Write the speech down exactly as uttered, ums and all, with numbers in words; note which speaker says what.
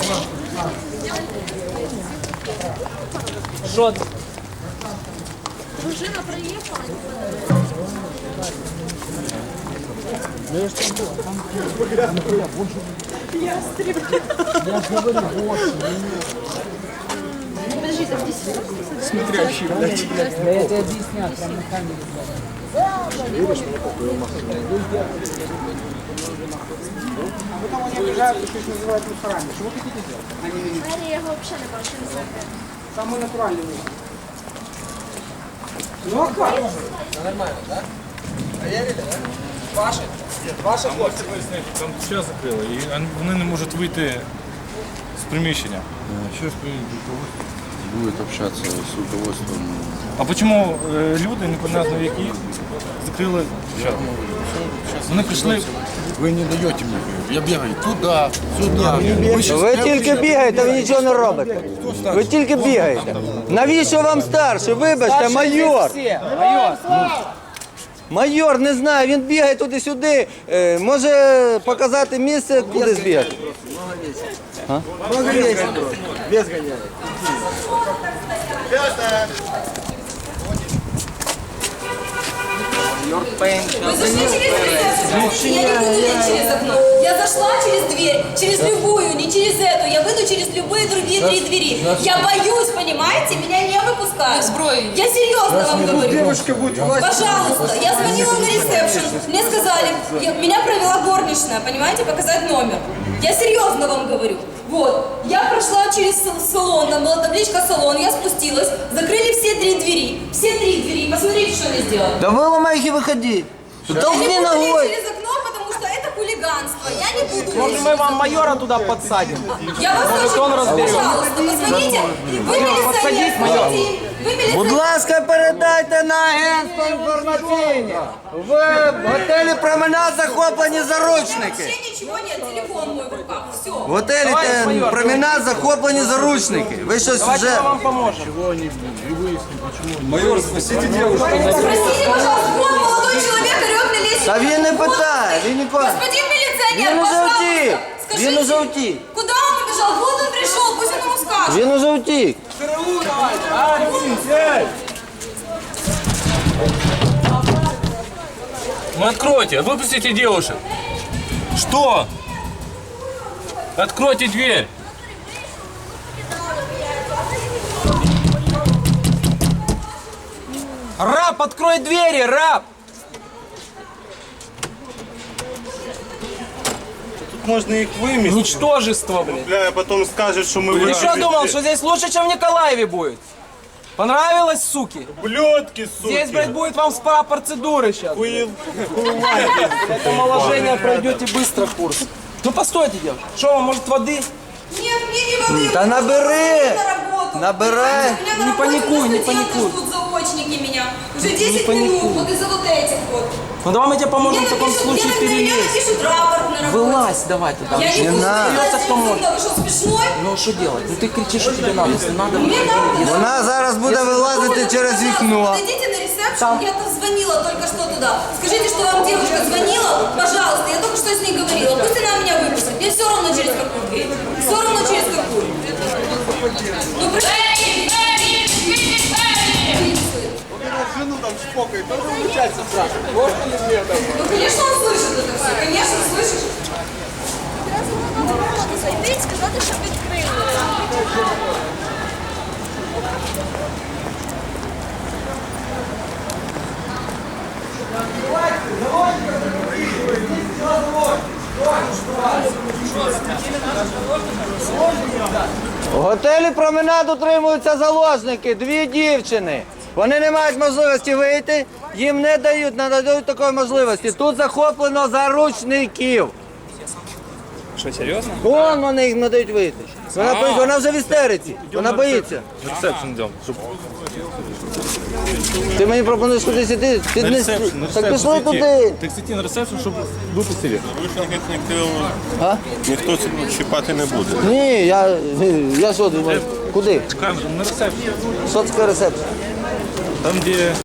Speaker 1: Що?
Speaker 2: Дружина приїхала. Я Подожди, там здесь.
Speaker 3: Смотрящий, блядь.
Speaker 1: Да я тебе объясняю, прям на камере.
Speaker 3: Видишь, мне какую махну. Потом они обижают, что их называют мусорами. Что вы хотите сделать? Они
Speaker 2: Двері я його взагалі не бачу, не знаю.
Speaker 3: самые натуральные. Ну а как?
Speaker 4: Нормально, да? Проверили, да? Ваши?
Speaker 5: Ваша хлопці пояснити, там час закрили, і вони не можуть вийти з приміщення.
Speaker 6: Сейчас руководство будет общаться с руководством.
Speaker 5: А чому е, люди, непонятно які, закрили час? Вони прийшли.
Speaker 6: Вы не даете мне. Я бегаю туда, сюда. Вы, щас-
Speaker 7: Ви
Speaker 6: я
Speaker 7: тільки
Speaker 6: вообще-
Speaker 7: бігаєте, ви нічого не робите. Ви тільки бігаєте. Навіщо вам старший? Вибачте, майор.
Speaker 1: Все, майор.
Speaker 7: Майор, не знаю, він бігає туди-сюди. Е, Може показати місце, куди збігати.
Speaker 3: Много есть. Без гоняет.
Speaker 8: Вы зашли через дверь. Я не буду идти через окно. Я зашла через дверь, через любую, не через эту. Я выйду через любые другие три двери. Я боюсь, понимаете? Меня не выпускают. Я серьезно вам говорю.
Speaker 3: Девушка будет власть.
Speaker 8: Пожалуйста, я звонила на ресепшн. Мне сказали, я- меня провела горничная, понимаете, показать номер. Я серьезно вам говорю. Вот, я прошла через с- салон, там была табличка салон, я спустилась, закрыли все три двери. Все три двери, посмотрите, что они сделали.
Speaker 7: Да виламай їх і виходи.
Speaker 8: Я не
Speaker 7: Толкни
Speaker 8: буду лезть
Speaker 7: ногою.
Speaker 8: через окно, потому что это хулиганство. Я не буду
Speaker 1: Может,
Speaker 8: лезть.
Speaker 1: мы вам майора туда подсадим?
Speaker 8: Я вас
Speaker 1: Может,
Speaker 8: очень
Speaker 1: он
Speaker 8: прошу,
Speaker 1: разберет.
Speaker 8: пожалуйста, позвоните. Вы милиционер,
Speaker 1: подсадить, майор.
Speaker 8: звоните им. Вы
Speaker 7: Будь
Speaker 8: милиционер.
Speaker 7: ласка, передайте на агентство інформаційне. В готелі променад захоплені заручники.
Speaker 8: Вообще ничего нет, телефон мой в руках. Все.
Speaker 7: В готелі
Speaker 1: Давай,
Speaker 7: те-
Speaker 1: майор,
Speaker 7: променад захоплені заручники. Ви щось
Speaker 1: Давайте
Speaker 7: вже...
Speaker 1: мы вам поможем.
Speaker 8: Спросите, пожалуйста, вон молодой человек орет мне лезть.
Speaker 7: Та він не питає, він ніколи.
Speaker 8: Господин милиционер,
Speaker 7: Він уже
Speaker 8: пожалуйста,
Speaker 7: втік.
Speaker 8: скажите,
Speaker 7: Він уже втік.
Speaker 8: куда он побежал? Вот он пришел, пусть он ему скажет.
Speaker 7: Він уже втік.
Speaker 5: Ну откройте, выпустите девушек. Что? Откройте дверь.
Speaker 1: Раб, открой двери, раб!
Speaker 9: Можно их выместить,
Speaker 1: Ничтожество, блин.
Speaker 9: бля, а потом скажет, что мы
Speaker 1: Ты что думал, что здесь лучше, чем в Николаеве будет? Понравилось, суки?
Speaker 9: Блёдки, суки.
Speaker 1: Здесь, блядь, будет вам спа-процедуры сейчас.
Speaker 9: Хуев-
Speaker 1: Это омоложение пройдете быстро курс. Ну постойте, девушка. Что вам, может, воды?
Speaker 8: Нет, мне не воды.
Speaker 7: Да набери.
Speaker 8: На работу.
Speaker 7: Набирай.
Speaker 8: У меня на
Speaker 1: Не
Speaker 8: работе
Speaker 1: паникуй,
Speaker 8: уже
Speaker 1: не
Speaker 8: студенты
Speaker 1: паникуй.
Speaker 8: ждут заочники меня. Уже десять
Speaker 1: паникуй.
Speaker 8: минут, вот из-за вот этих вот.
Speaker 1: Ну давай мы тебе поможем
Speaker 8: Мне
Speaker 1: в таком
Speaker 8: напишут-
Speaker 1: случае
Speaker 8: мне- Мне
Speaker 1: перелезть.
Speaker 8: напишут рапорт на работе.
Speaker 1: Вылазь давай туда.
Speaker 8: Я не буду
Speaker 7: надо.
Speaker 8: вылазить
Speaker 1: Придется, кто может.
Speaker 8: отсюда. Вы что, смешной?
Speaker 1: Ну что делать? Ну ты кричишь, что тебе надо. Если надо,
Speaker 8: Мне надо.
Speaker 7: Вона зараз буде вилазити через вікно.
Speaker 8: Зайдите на ресепшн, я там звонила только что туда. Скажите, что вам девушка звонила, пожалуйста, я только что с ней говорила. Пусть она меня выпустит. Мне все равно через какую дверь. Все равно через какую. Ну, пришли.
Speaker 9: Жену там шпокает, тоже начальство спрашивает. Можно ли мне там?
Speaker 8: Ну, конечно, он слышит это все. Конечно, слышишь.
Speaker 2: Зайти і сказати, що відкрили.
Speaker 7: В готелі променад утримуються заложники, дві дівчини. Вони не мають можливості вийти, їм не дають, не надають такої можливості. Тут захоплено заручників.
Speaker 5: Что, серьезно?
Speaker 7: Вон вони їх не дають вийти. Вона, боїться, вона вже в істериці, вона боїться.
Speaker 5: На ресепшн идем.
Speaker 7: Ти мені пропонуєш кудись іти? Ти
Speaker 5: На
Speaker 7: не...
Speaker 5: ресепшн, на
Speaker 7: Так
Speaker 5: ресепшн
Speaker 7: пішли
Speaker 5: зайти.
Speaker 7: туди.
Speaker 5: Так зайти на ресепшн, чтобы выпустили.
Speaker 7: А?
Speaker 9: Ніхто чіпати не буде.
Speaker 7: Ні, я, я що думаю, куди?
Speaker 5: На ресепшн.
Speaker 7: Що таке рецепт?
Speaker 5: Там, где